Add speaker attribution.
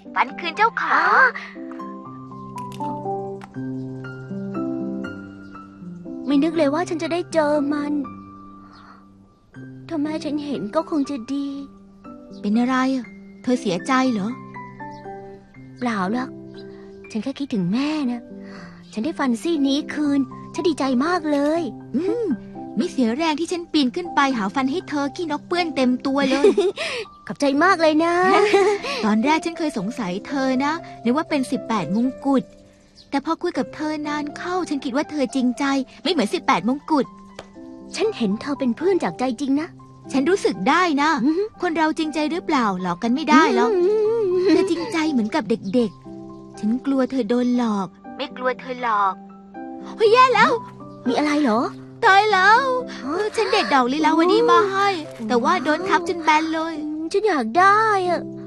Speaker 1: ฝันคืนเจ้าขา
Speaker 2: ไม่นึกเลยว่าฉันจะได้เจอมันถ้าแม่ฉันเห็นก็คงจะดี
Speaker 3: เป็นอะไรอะเธอเสียใจเหรอ
Speaker 2: เปล่าหรอกฉันแค่คิดถึงแม่นะฉันได้ฟันซี่นี้คืนฉันดีใจมากเลย
Speaker 3: ไม่เสียแรงที่ฉันปีนขึ้นไปหาฟันให้เธอขี้นกเปื้อนเต็มตัวเลย
Speaker 2: ขอบใจมากเลยนะ
Speaker 3: ตอนแรกฉันเคยสงสัยเธอนะนึกว่าเป็น18มงกุฎแต่พอคุยกับเธอนานเข้าฉันคิดว่าเธอจริงใจไม่เหมือน18มงกุฎ
Speaker 2: ฉันเห็นเธอเป็นเพื่อนจากใจจริงนะ
Speaker 3: ฉันรู้สึกได้นะ คนเราจริงใจหรือเปล่าหลอกกันไม่ได้หรอกเธอจริงใจเหมือนกับเด็กๆฉันกลัวเธอโดนหลอก
Speaker 1: ไม่กลัวเธอหรอก
Speaker 3: เฮ้ยแย่แล้ว
Speaker 2: มีอะไรเหรอ
Speaker 3: ตายแล้วฉันเด็ดดอกลีลาวดีมาให้ แต่ว่าโดนทับจนแบนเลย
Speaker 2: ฉันอยากได้อะ